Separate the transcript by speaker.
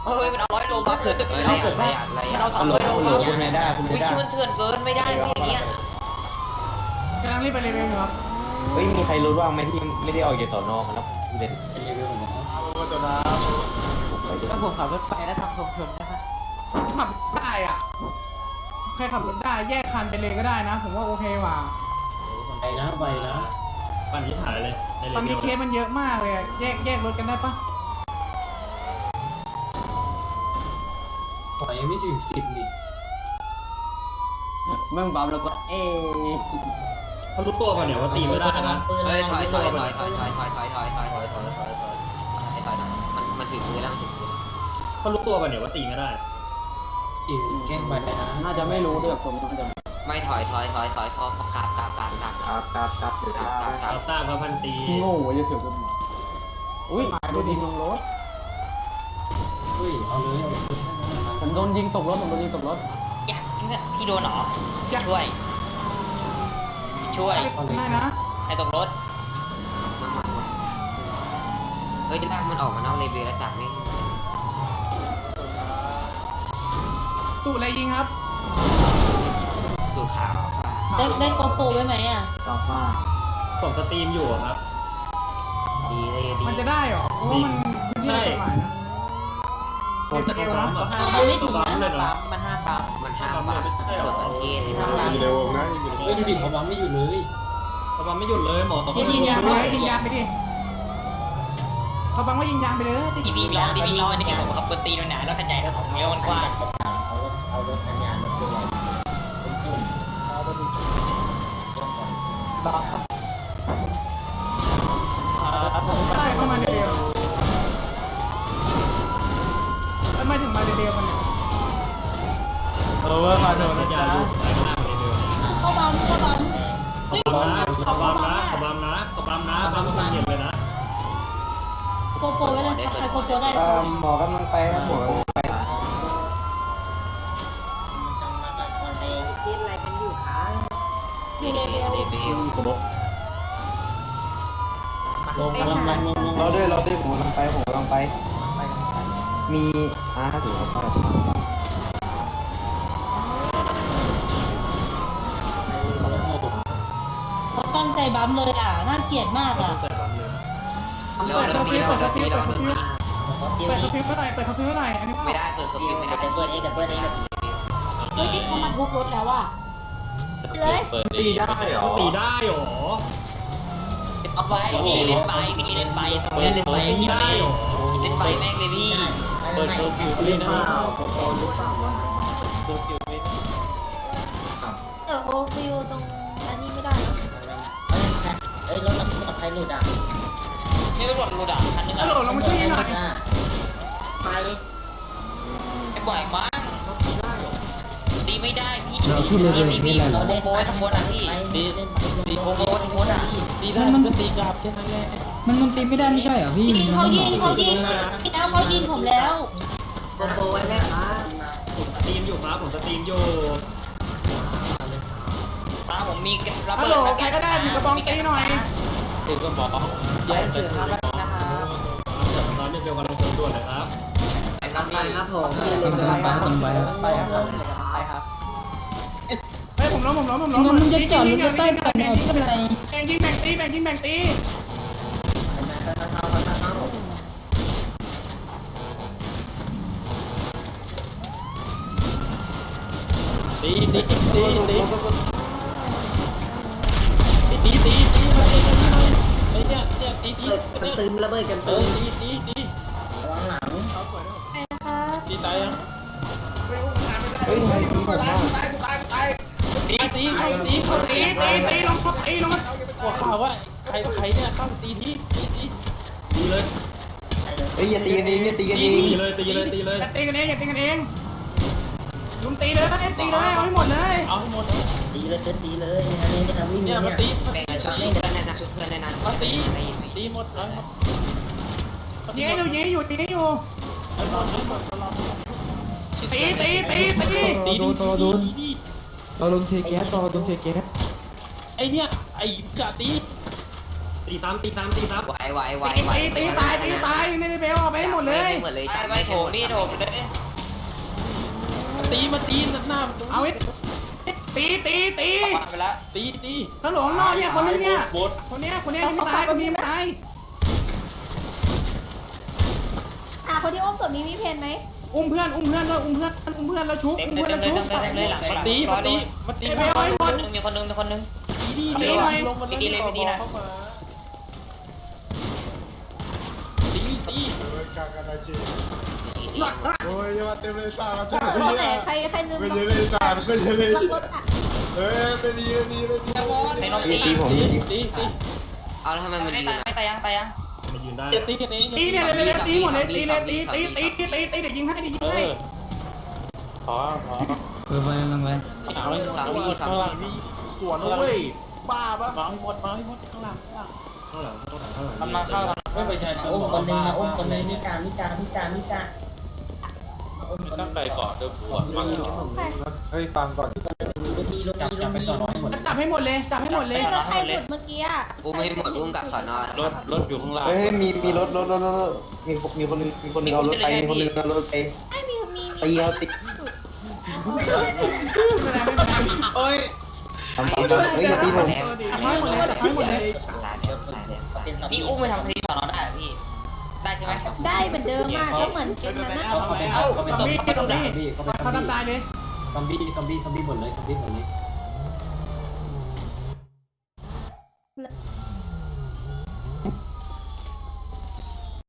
Speaker 1: เฮ้ยมันเอา100 โลมาเกิดมันเอา200 โลมา
Speaker 2: คุณไม่ได้คุณไม่
Speaker 1: วิ่ง
Speaker 2: ได้
Speaker 1: ชิมันเถื่อนเกินไม่ได้ที่อย่างเงี้ย
Speaker 3: กำลังรีบไปเลเวลอยู่ครับ
Speaker 2: เฮ้ยมีใครรู้บ้างไหมที่ไม่ได้ออกจากสอนอมาแล้วเล่น
Speaker 4: ถ้าผมขับรถไปแล้วทำทรงชนได้ไหม
Speaker 3: ขับได้อ่ะใครขับรถได้แยกคันไปเลยก็ได้นะ ผมว่าโอเคว่ะ
Speaker 5: ไปนะปั่นที่ถ่ายเลย
Speaker 3: ตอนนี้เคสมันเยอะมากเลยแยกรถกันได้ปะ
Speaker 5: ปล่อยยังไม่ถึง10ดิ
Speaker 4: เมื่อบัมแล้วก็
Speaker 5: เขารู้ตัวป่ะเนี่ยว่าตีไม่ได้นะ
Speaker 1: เฮ้ยถอยมันถึงมือแล้วมันถึงมือ
Speaker 5: เขารู้ตัวป่ะเนี่ยว่าตีไม่ได้แกล้งไปนะ
Speaker 4: น่าจะไม่รู้ด้วยผมน่าจะ
Speaker 1: ไม่ถอยพอกราบ
Speaker 2: ครับเสร็จแล้ว
Speaker 5: รับทราบพระพันตี
Speaker 4: โง่จะเสียวกันอุ้ยโดนยิงลงรถ
Speaker 5: เฮ้ยเอาเลย
Speaker 4: ผมโดนยิงตกรถผมโดนยิงตกรถ
Speaker 1: อยากพี่โดนหรอช่วย
Speaker 3: ได้นะ
Speaker 1: ให้ตกรถเฮ้ยจะลากมันออกมานอกเลเวลแล้วจับไม่
Speaker 3: ตู่อะไรยิงครับ
Speaker 1: สูตรขาว
Speaker 6: ได้โกโปรไว้ไหมอ่ะ
Speaker 4: ต่อมา
Speaker 5: ผมสตรีมอยู่ครับ
Speaker 1: ดีเลยดี
Speaker 3: มันจะได้เหรอเพราะว่ามันพื้นที่กฎหมายนะ
Speaker 5: ผมจะ
Speaker 3: เอวนะ
Speaker 5: ปั๊มเลยนะ
Speaker 4: มันห้าปั๊ม
Speaker 1: มันห้ามปะกดประเทศ
Speaker 5: อยู่ในวงนะเฮ้ยดูดิเขาปั๊มไม่หยุดเลยเขาปั๊มไม่หยุดเลยหมอ
Speaker 3: ยิงยางไปยิงยางไปดิเขาบังว่ายิงยางไปเลย
Speaker 1: ดีบีร้องอันนี้ผมขับปืนตีมันหนาแล้วขยายแล้วของเลี้ยวมันกว้าง
Speaker 5: เอารถทำงานรถตัว
Speaker 4: ต่อ
Speaker 3: ได้เข้ามาเร็วแล้วไม่ถึงมาเร็วมันเนี่ย
Speaker 5: ว่าโดนนะจ๊ะไปข้างหน้าคนเดียว
Speaker 6: เข้าบัมเฮ้ย
Speaker 5: ปั๊มนะเขาปั๊มนะปั๊มคนเหยียบเลยนะ
Speaker 6: โกโปรไว้เลยใครโกโปรได้
Speaker 2: หมอกำลังไปครับหมอกำลังไป
Speaker 6: อยู่เลเวล
Speaker 1: เลเวล
Speaker 5: ลงกำลังลง
Speaker 2: เราด้วยผมกำลังไปมีถือว่าไป
Speaker 6: เขาตั้งใจบัมเลยอ่ะ น่าเกลียดมากอ่ะ
Speaker 1: เร็วเราตีเราตี
Speaker 3: เปิดคาฟิวเท่าไหร่อันนี้
Speaker 1: ไม่ได้เปิดสกิลไม่ได้เปิดเอง
Speaker 6: เฮ้ยที่เขามาทุบรถแล้วอ่ะเลย
Speaker 2: ตีได้เหรอ
Speaker 5: ตีได้หรอ
Speaker 1: เอาไว้พี่เล่นไปพี่แม่งเลยพี่
Speaker 5: เปิดเคอร์ฟิวเลยนะ
Speaker 6: โอฟิวตรงอันนี้ไม่ได้
Speaker 5: เฮ้ยรถใครหลุดอ่ะ
Speaker 1: นี่ตำรวจรูด่าคันนึง
Speaker 3: ฮัลโหลเรามาช่วยยิงหน่อย
Speaker 1: ไอ้บ่อยมากตีไม่ได้พี่โบยทั้งหมดอ่ะพี่ตีโบยทั้งหมดอ่ะ
Speaker 4: ตีได้มันตีกลับแค่นั้นแหละมันตีไม่ได้ไม่ใช่เหรอพี่
Speaker 6: เขายิงแล้วเขายิงผมแล้ว
Speaker 5: ผมสตรีมอยู่ครับผมสตรีมอยู่
Speaker 1: ตาผมมีระ
Speaker 3: ฮัล
Speaker 1: เบิ
Speaker 3: โหล
Speaker 1: ด
Speaker 3: ใครก็ได้ถือกระบองตีหน่อย
Speaker 2: ตีก็บอก
Speaker 4: แย่เสือครับนะคะ
Speaker 5: ตอนนี้เดียวกันลงด่วนเลยครับ
Speaker 1: ไอ้น้ำมีครับผม
Speaker 4: ไปครับ
Speaker 3: เฮ้ยผมล้ม
Speaker 4: มึงจะจอดรถใต้ก่อนเนี่ยไม่เป็นไร
Speaker 3: ยิงแบ่งตี
Speaker 5: ตีมาตีไอ้เนี่ยตีกันตึมระเบิดกันตึมตีตีตายยัง
Speaker 2: เฮ้ยตีผมว่า
Speaker 5: ตีลงหัวข่าวว่าใครเนี่ยเข้าตีเลย
Speaker 2: เฮ้ยอย่าตีกันเองอย่าตีกันเอง
Speaker 5: ตีเลย
Speaker 3: อย่าตีกันเองลุมตีเลยเอาให้หมดเลย
Speaker 5: เอาให้หมด
Speaker 7: ตีเลยอันนี้นะวิ่ง
Speaker 5: เนี่ย
Speaker 7: เนี่
Speaker 5: มาย ตี
Speaker 1: แบ่งชุดเพื่อนในนั้นชุดเพื่อนในนั้น
Speaker 5: ตีหมดเลย
Speaker 3: ยิงอยู่ตี
Speaker 5: ตี
Speaker 4: เราลงเทแก๊ส
Speaker 5: ไอเนี่ยไอจะตีซ้ำ
Speaker 1: ไว
Speaker 3: ตีตายในเบลออกไปให้หมดหมดเลย
Speaker 1: หมดเลยไปโถพี่โถเลย
Speaker 5: มาตีหน้า
Speaker 3: เอาไว้ตี
Speaker 1: ไปแล้ว
Speaker 5: ตี
Speaker 3: ตำรวจข้างนอกเนี่ยคนนึงเนี่ย
Speaker 5: บด
Speaker 3: คนเนี้ยที่ไม่ตายคนนี้ไม่ตาย
Speaker 6: คนที่อ้อมศพนี้มีเพนไหม
Speaker 3: อุ้มเพื่อนแล้วชุบ
Speaker 1: เต็ม
Speaker 3: อุ้ม
Speaker 1: เล
Speaker 3: เพื่
Speaker 1: ย
Speaker 3: อน
Speaker 1: เต็
Speaker 3: แล้ว
Speaker 1: ม
Speaker 3: ชุบ
Speaker 1: เลยหลัง
Speaker 5: มาตี
Speaker 3: ไปเอาให้หมด
Speaker 1: มีคนนึง
Speaker 5: ตีดีลงมาเลยเข้ามาตี
Speaker 8: โอ้ยอย่ามาเต็มเลยตามาเต็ม
Speaker 6: คนไหนใครลืม
Speaker 8: ไม่เยอะเลยตาไม่เยอะเลย
Speaker 6: ล็อกรถอ่ะ
Speaker 8: เฮ้ยไม่ดี
Speaker 1: ไม่ต้องตี
Speaker 2: ตีผมตี
Speaker 1: เอาแล้วทำไมมันยืนไม่ตายยัง
Speaker 5: ตีกันเอง
Speaker 3: ตีเนี่ยเลยตีหมดเลยตีเดี๋ยวยิงให้
Speaker 5: ขอ
Speaker 4: ไปลงไป
Speaker 5: เอาเลยข้างหลังมีสวนเว้ยบ้าปะมาให้หมดข้างหลัง
Speaker 1: มันมาเข้า
Speaker 5: ไม่ใช่
Speaker 7: อุ้มคนนึงมาอุ้มคนนึงมิกา
Speaker 5: ตั้งใจก่อนเดิมปวดมาก
Speaker 2: เฮ้ยฟังก่อน
Speaker 7: จับไปสอนให้หมด
Speaker 3: จับให้หมดเลย
Speaker 6: แล้วใครหลุดเมื่อกี้อ่ะ
Speaker 1: อุ้มให้หมดอุ้มกับสอนอ
Speaker 5: รถอยู่ข้างล่าง
Speaker 2: เฮ้ยมีรถมีคนนึงเอารถไปมีคนนึงเอารถไป
Speaker 6: ไม่มี
Speaker 2: ตีเขาติด
Speaker 8: โอ้ย
Speaker 2: ทำเฮ้ยอย่าตีผม
Speaker 3: จับให้หมดเลย
Speaker 1: นี่อุ้มไปทำคดีสอนอได้พี่ได้ใช่ไหม
Speaker 6: ได้เหมือนเดิมมากก็เหมือนเป็นนั้นนะ
Speaker 3: ซอมบี้เขาทำตายเลย
Speaker 4: ซอมบี้หมดเลยซอมบี้หมดเลย